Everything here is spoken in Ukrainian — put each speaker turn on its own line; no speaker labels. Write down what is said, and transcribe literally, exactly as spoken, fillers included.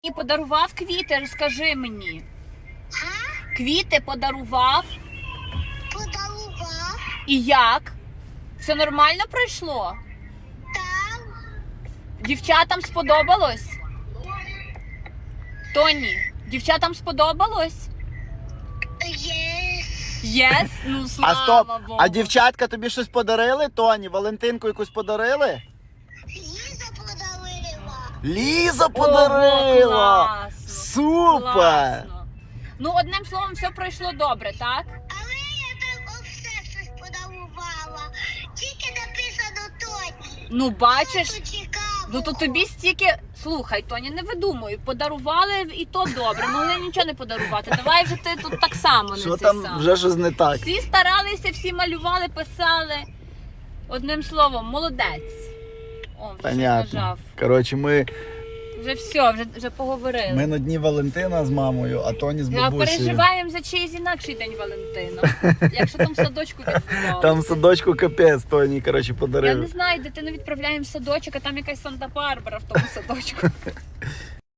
І подарував квіти, розкажи мені.
А?
Квіти подарував.
Подарував.
І як? Все нормально пройшло?
Там.
Дівчатам сподобалось? Тоні, дівчатам сподобалось?
Є.
Єс? Ну, слава
А стоп,
Богу.
а дівчатка тобі щось подарили, Тоні? Валентинку якусь подарили?
Ліза подарила.
Ліза
Ого,
подарила!
класно,
Супер!
класно. Ну, одним словом, все пройшло добре, так?
Але я там все щось подарувала. Тільки написано Тоні.
Ну, бачиш,
Тут цікаво.
ну то тобі стільки... Слухай, Тоні, не видумуй, подарували і то добре, могли нічого не подарувати. Давай вже ти тут так само не
Що
це
там
сам.
вже щось не так?
Всі старалися, всі малювали, писали. Одним словом, молодець. О, вже щось
Понятно.
нажав.
Коротше, ми,
Вже все, вже, вже поговорили.
ми на дні Валентина з мамою, а Тоні з
А
бабусею.
переживаємо за чийсь інакший день Валентина. Якщо там в садочку відбувалося.
Там в садочку капець Тоні, коротше,
Я
подарив.
не знаю, дитину відправляємо в садочок, а там якась Санта-Барбара в тому садочку.